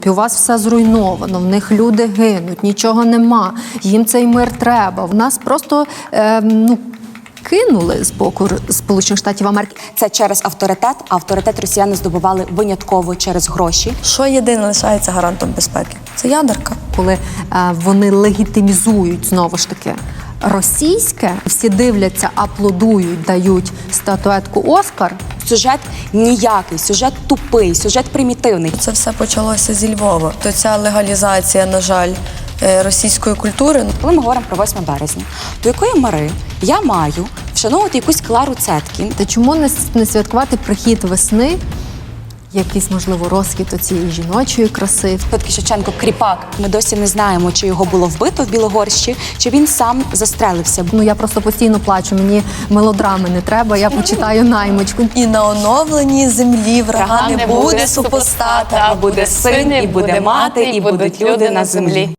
У вас все зруйновано, в них люди гинуть, нічого нема, їм цей мир треба. В нас просто кинули з боку Сполучених Штатів Америки. Це через авторитет, а авторитет росіяни здобували винятково через гроші. Що єдине лишається гарантом безпеки? Це ядерка. Коли вони легітимізують, знову ж таки, російське, всі дивляться, аплодують, дають статуетку «Оскар». Сюжет ніякий, сюжет тупий, сюжет примітивний. Це все почалося зі Львова. То ця легалізація, на жаль, російської культури. Коли ми говоримо про 8 березня, до якої мери я маю вшановувати якусь Клару Цеткін? Та чому не святкувати прихід весни, якийсь, можливо, розквіт цієї жіночої краси? Все-таки Шевченко кріпак. Ми досі не знаємо, чи його було вбито в Білогорщі, чи він сам застрелився. Я просто постійно плачу, мені мелодрами не треба, я почитаю «Наймичку». І на оновленій землі врага не буде супостата, а буде син, і буде мати, і будуть люди на землі.